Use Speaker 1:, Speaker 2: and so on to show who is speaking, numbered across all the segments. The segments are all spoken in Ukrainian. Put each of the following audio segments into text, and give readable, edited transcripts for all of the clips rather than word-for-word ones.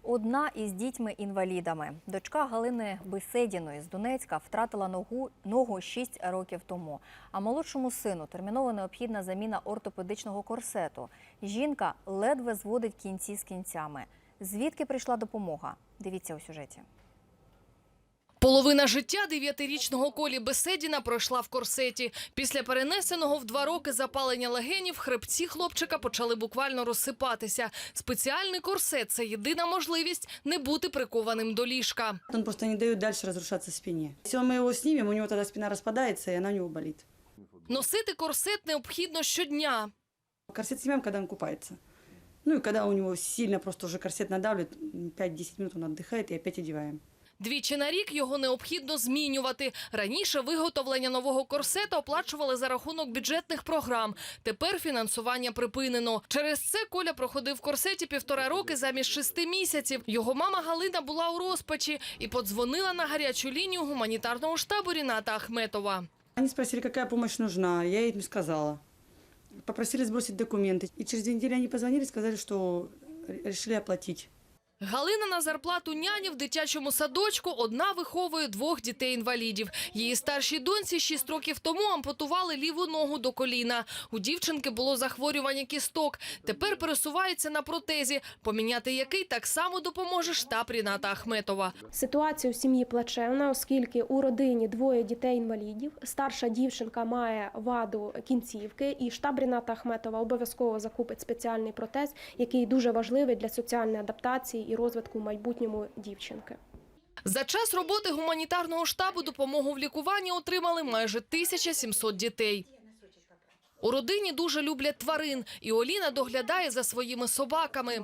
Speaker 1: Одна із дітьми-інвалідами. Дочка Галини Беседіної з Донецька втратила ногу 6 років тому. А молодшому сину терміново необхідна заміна ортопедичного корсету. Жінка ледве зводить кінці з кінцями. Звідки прийшла допомога? Дивіться у сюжеті.
Speaker 2: Половина життя 9-річного Колі Беседіна пройшла в корсеті. Після перенесеного в 2 роки запалення легенів хребці хлопчика почали буквально розсипатися. Спеціальний корсет – це єдина можливість не бути прикованим до ліжка.
Speaker 3: Он просто не дает дальше разрушаться спине. Если мы его снимем, у него тогда спина распадается, и она у него болит.
Speaker 2: Носити корсет необхідно щодня.
Speaker 3: Корсет снимаем, когда он купается. Ну и когда у него сильно просто уже корсет надавливает, 5-10 минут он отдыхает и опять одеваем.
Speaker 2: Двічі на рік його необхідно змінювати. Раніше виготовлення нового корсета оплачували за рахунок бюджетних програм. Тепер фінансування припинено. Через це Коля проходив в корсеті 1,5 роки замість 6 місяців. Його мама Галина була у розпачі і подзвонила на гарячу лінію гуманітарного штабу Ріната Ахметова.
Speaker 3: Они спросили, какая помощь нужна, я им сказала. Попросили сбросить документы. И через 2 недели они позвонили и сказали, что решили оплатить.
Speaker 2: Галина на зарплату няні в дитячому садочку одна виховує 2 дітей-інвалідів. Її старшій доньці 6 років тому ампутували ліву ногу до коліна. У дівчинки було захворювання кісток. Тепер пересувається на протезі, поміняти який так само допоможе штаб Ріната Ахметова.
Speaker 4: Ситуація у сім'ї плачевна, оскільки у родині 2 дітей-інвалідів. Старша дівчинка має ваду кінцівки, і штаб Ріната Ахметова обов'язково закупить спеціальний протез, який дуже важливий для соціальної адаптації і розвитку в майбутньому дівчинки.
Speaker 2: За час роботи гуманітарного штабу допомогу в лікуванні отримали майже 1700 дітей. У родині дуже люблять тварин, і Оліна доглядає за своїми собаками.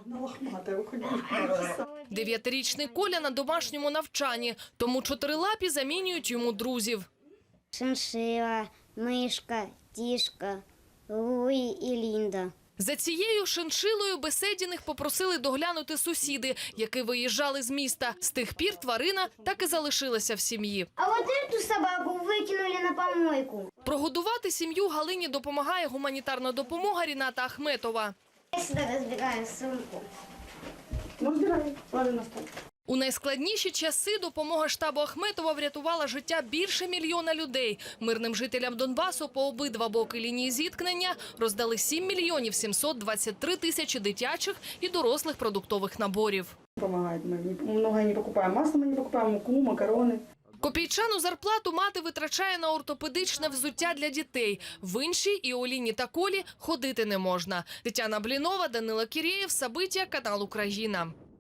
Speaker 2: 9-річний Коля на домашньому навчанні, тому 4-лапі замінюють йому друзів.
Speaker 5: Шиншила, мишка, тішка, Луї і Лінда.
Speaker 2: За цією шиншилою Беседіних попросили доглянути сусіди, які виїжджали з міста. З тих пір тварина так і залишилася в сім'ї.
Speaker 5: А от цю собаку викинули на помойку.
Speaker 2: Прогодувати сім'ю Галині допомагає гуманітарна допомога Ріната Ахметова.
Speaker 5: Я сюди розбираю сумку.
Speaker 3: Ну, разбираем, ложим на стол.
Speaker 2: У найскладніші часи допомога штабу Ахметова врятувала життя більше 1 мільйона людей. Мирним жителям Донбасу по обидва боки лінії зіткнення роздали 7 мільйонів 723 тисячі дитячих і дорослих продуктових наборів.
Speaker 3: Помогает. Мы многое не покупаем. Масло мы не покупаем, муку, макароны.
Speaker 2: Копійчану зарплату мати витрачає на ортопедичне взуття для дітей. В іншій і Оліні та Колі ходити не можна. Тетяна Блінова, Данило Кірєєв, Сабиття, канал Україна.